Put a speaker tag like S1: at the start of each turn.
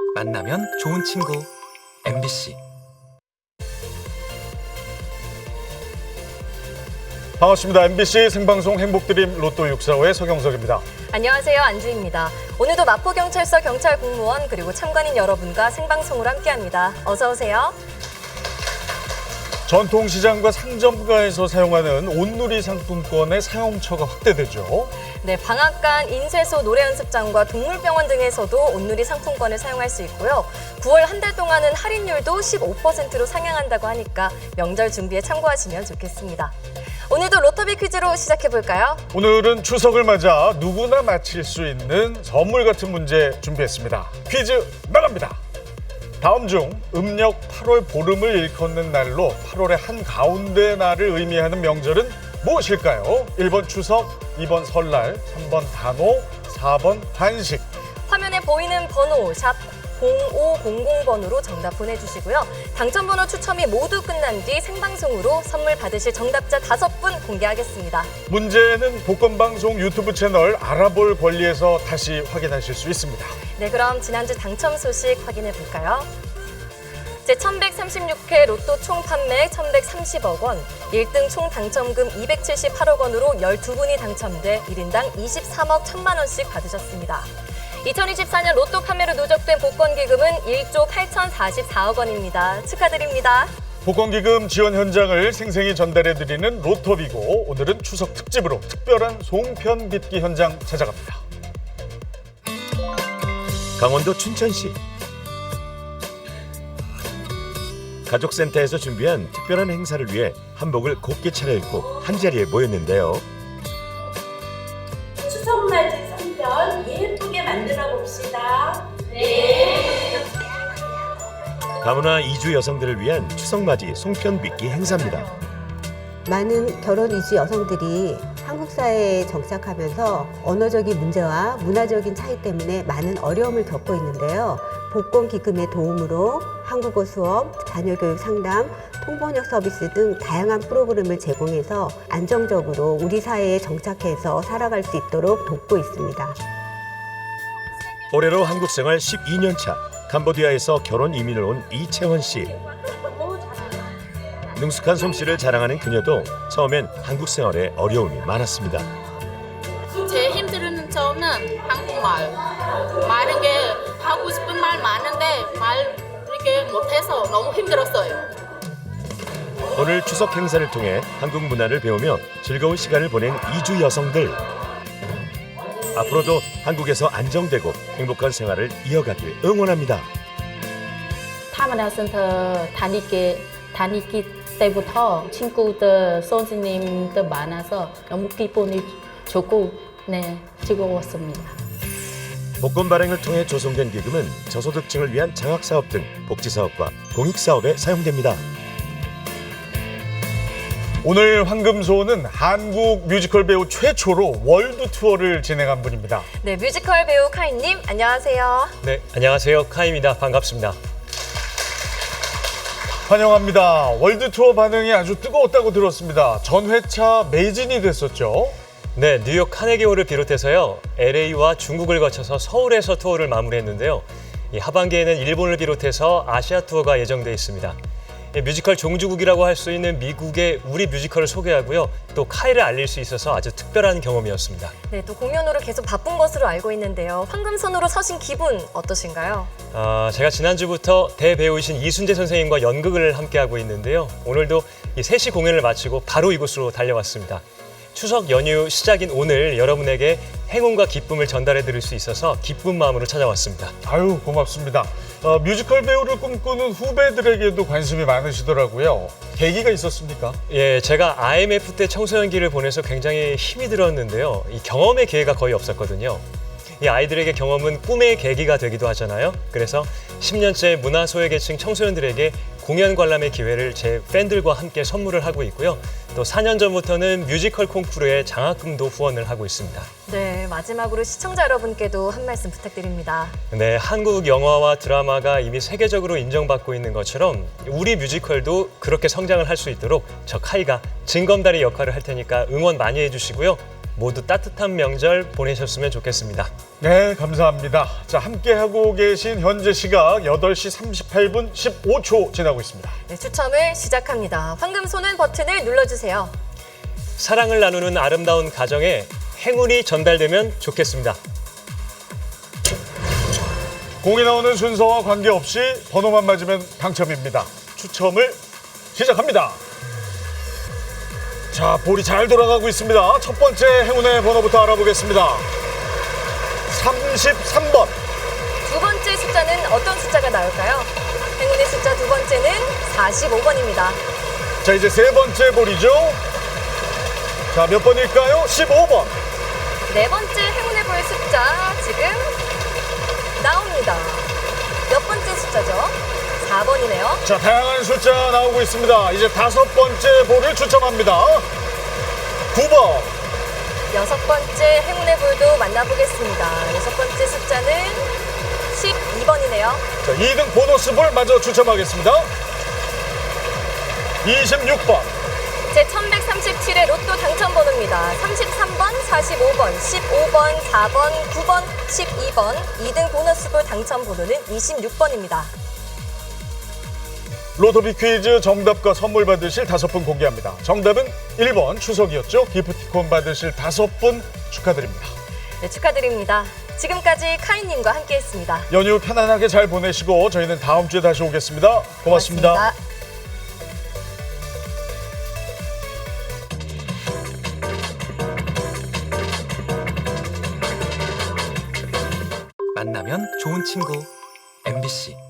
S1: 만나면 좋은 친구 MBC.
S2: 반갑습니다. MBC 생방송 행복드림 로또 645의 서경석입니다.
S3: 안녕하세요. 안주희입니다. 오늘도 마포경찰서 경찰 공무원 그리고 참관인 여러분과 생방송으로 함께합니다. 어서 오세요.
S2: 전통시장과 상점가에서 사용하는 온누리 상품권의 사용처가 확대되죠.
S3: 네, 방앗간, 인쇄소, 노래연습장과 동물병원 등에서도 온누리 상품권을 사용할 수 있고요. 9월 한 달 동안은 할인율도 15%로 상향한다고 하니까 명절 준비에 참고하시면 좋겠습니다. 오늘도 로터비 퀴즈로 시작해볼까요?
S2: 오늘은 추석을 맞아 누구나 맞힐 수 있는 선물 같은 문제 준비했습니다. 퀴즈 나갑니다. 다음 중 음력 8월 보름을 일컫는 날로 8월의 한가운데 날을 의미하는 명절은 무엇일까요? 1번 추석, 2번 설날, 3번 단오, 4번 한식.
S3: 화면에 보이는 번호 샵 0500번으로 정답 보내주시고요. 당첨번호 추첨이 모두 끝난 뒤 생방송으로 선물 받으실 정답자 5분 공개하겠습니다.
S2: 문제는 복권방송 유튜브 채널 알아볼 권리에서 다시 확인하실 수 있습니다.
S3: 네, 그럼 지난주 당첨 소식 확인해 볼까요? 제1136회 로또 총 판매액 1,130억 원, 1등 총 당첨금 278억 원으로 12분이 당첨돼 1인당 23억 1천만 원씩 받으셨습니다. 2024년 로또 판매로 누적된 복권기금은 1조 8,044억 원입니다. 축하드립니다.
S2: 복권기금 지원 현장을 생생히 전달해드리는 로터비고, 오늘은 추석 특집으로 특별한 송편 빚기 현장 찾아갑니다.
S4: 강원도 춘천시 가족센터에서 준비한 특별한 행사를 위해 한복을 곱게 차려입고 한자리에 모였는데요.
S5: 추석맞이 송편 예쁘게 만들어 봅시다. 네.
S4: 다문화 이주 여성들을 위한 추석맞이 송편 빚기 행사입니다.
S6: 많은 결혼 이주 여성들이 한국 사회에 정착하면서 언어적인 문제와 문화적인 차이 때문에 많은 어려움을 겪고 있는데요. 복권 기금의 도움으로 한국어 수업, 자녀교육 상담, 통번역 서비스 등 다양한 프로그램을 제공해서 안정적으로 우리 사회에 정착해서 살아갈 수 있도록 돕고 있습니다.
S4: 올해로 한국 생활 12년 차, 캄보디아에서 결혼 이민을 온 이채원 씨. 능숙한 솜씨를 자랑하는 그녀도 처음엔 한국 생활에 어려움이 많았습니다.
S7: 제일 힘든 점은 한국말. 많은 게 하고 싶은 말 많은데 말 이렇게 못해서 너무 힘들었어요.
S4: 오늘 추석 행사를 통해 한국 문화를 배우며 즐거운 시간을 보낸 이주 여성들. 앞으로도 한국에서 안정되고 행복한 생활을 이어가길 응원합니다.
S7: 타마나센터 다니기 때부터 친구들, 선생님들 많아서 너무 기분이 좋고 즐거웠습니다.
S4: 복권 발행을 통해 조성된 기금은 저소득층을 위한 장학사업 등 복지사업과 공익사업에 사용됩니다.
S2: 오늘 황금소는 한국 뮤지컬 배우 최초로 월드 투어를 진행한 분입니다.
S3: 네, 뮤지컬 배우 카이님 안녕하세요.
S8: 네, 안녕하세요. 카이입니다. 반갑습니다.
S2: 환영합니다. 월드 투어 반응이 아주 뜨거웠다고 들었습니다. 전 회차 매진이 됐었죠.
S8: 네, 뉴욕 카네기홀을 비롯해서요. LA와 중국을 거쳐서 서울에서 투어를 마무리했는데요. 이 하반기에는 일본을 비롯해서 아시아 투어가 예정돼 있습니다. 뮤지컬 종주국이라고 할 수 있는 미국의 우리 뮤지컬을 소개하고요. 또 카이를 알릴 수 있어서 아주 특별한 경험이었습니다.
S3: 네, 또 공연으로 계속 바쁜 것으로 알고 있는데요. 황금손으로 서신 기분 어떠신가요?
S8: 제가 지난주부터 대배우이신 이순재 선생님과 연극을 함께하고 있는데요. 오늘도 이 3시 공연을 마치고 바로 이곳으로 달려왔습니다. 추석 연휴 시작인 오늘 여러분에게 행운과 기쁨을 전달해 드릴 수 있어서 기쁜 마음으로 찾아왔습니다.
S2: 아유, 고맙습니다. 뮤지컬 배우를 꿈꾸는 후배들에게도 관심이 많으시더라고요. 계기가 있었습니까?
S8: 예, 제가 IMF 때 청소년기를 보내서 굉장히 힘이 들었는데요. 이 경험의 기회가 거의 없었거든요. 이 아이들에게 경험은 꿈의 계기가 되기도 하잖아요. 그래서 10년째 문화소외계층 청소년들에게 공연 관람의 기회를 제 팬들과 함께 선물을 하고 있고요. 또 4년 전부터는 뮤지컬 콩쿠르에 장학금도 후원을 하고 있습니다.
S3: 네, 마지막으로 시청자 여러분께도 한 말씀 부탁드립니다.
S8: 네, 한국 영화와 드라마가 이미 세계적으로 인정받고 있는 것처럼 우리 뮤지컬도 그렇게 성장을 할 수 있도록 저 카이가 징검다리 역할을 할 테니까 응원 많이 해주시고요. 모두 따뜻한 명절 보내셨으면 좋겠습니다.
S2: 네, 감사합니다. 자, 함께하고 계신 현재 시각 8시 38분 15초 지나고 있습니다.
S3: 네, 추첨을 시작합니다. 황금 손은 버튼을 눌러주세요.
S8: 사랑을 나누는 아름다운 가정에 행운이 전달되면 좋겠습니다.
S2: 공이 나오는 순서와 관계없이 번호만 맞으면 당첨입니다. 추첨을 시작합니다. 자, 볼이 잘 돌아가고 있습니다. 첫 번째 행운의 번호부터 알아보겠습니다. 33번.
S3: 두 번째 숫자는 어떤 숫자가 나올까요? 행운의 숫자 두 번째는 45번입니다.
S2: 자, 이제 세 번째 볼이죠. 자, 몇 번일까요? 15번.
S3: 네 번째 행운의 볼 숫자 지금 나옵니다. 몇 번째 숫자죠? 4번이네요.
S2: 자, 다양한 숫자 나오고 있습니다. 이제 다섯 번째 볼을 추첨합니다. 9번.
S3: 여섯 번째 행운의 볼도 만나보겠습니다. 여섯 번째 숫자는 12번이네요.
S2: 자, 2등 보너스 볼 마저 추첨하겠습니다. 26번.
S3: 제 1137의 로또 당첨번호입니다. 33번, 45번, 15번, 4번, 9번, 12번. 2등 보너스볼 당첨번호는 26번입니다.
S2: 로토비 퀴즈 정답과 선물 받으실 5분 공개합니다. 정답은 1번 추석이었죠. 기프티콘 받으실 5분 축하드립니다.
S3: 네, 축하드립니다. 지금까지 카이님과 함께했습니다.
S2: 연휴 편안하게 잘 보내시고 저희는 다음 주에 다시 오겠습니다. 고맙습니다.
S1: 만나면 좋은 친구 MBC